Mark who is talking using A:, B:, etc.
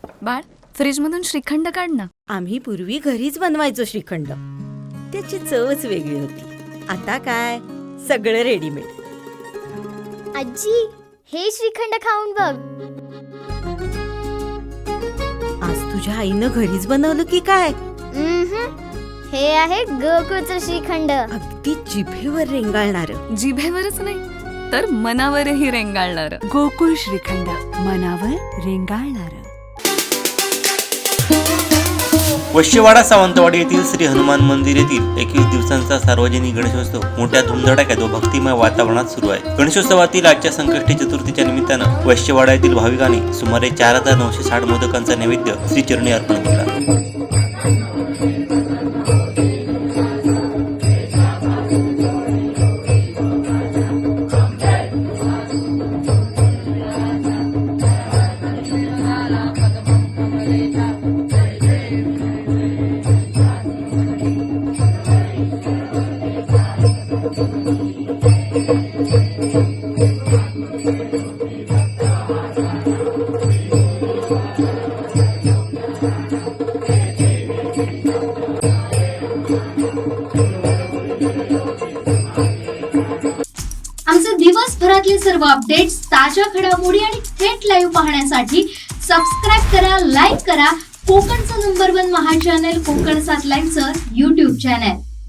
A: बाळ, फ्रीजमधून श्रीखंड काढ ना.
B: आम्ही पूर्वी घरीच बनवायचो श्रीखंड. त्याची चवच वेगळी होती. आता काय सगळं रेडीमेड.
C: आजी, हे श्रीखंड खाऊन बघ.
B: आज तुझ्या आईनं घरीच बनवलं की काय?
C: हे आहे गोकुळचं श्रीखंड.
B: अगदी जिभेवर रेंगाळणार.
A: जिभेवरच नाही तर मनावरही रेंगाळणार.
D: गोकुळ श्रीखंड, मनावर रेंगाळणार.
E: वशिवाडा सावंतवाडी येथील श्री हनुमान मंदिर येथील 21 दिवसांचा सार्वजनिक गणेशोत्सव मोठ्या धुमधडाक्यात व भक्तिमय वातावरणात सुरू आहे. गणेशोत्सवातील आजच्या संकष्टी चतुर्थीच्या निमित्तानं वशिवाडा येथील भाविकांनी सुमारे 4960 मोदकांचा नैवेद्य श्रीचरणी अर्पण केला.
F: आमचे दिवसभरातले सर्व अपडेट्स, ताज्या घडामोडी आणि थेट लाईव्ह पाहण्यासाठी सबस्क्राईब करा, लाईक करा कोकणचं नंबर 1 महा चॅनल कोकण 7 लाईव्हचं YouTube चॅनल.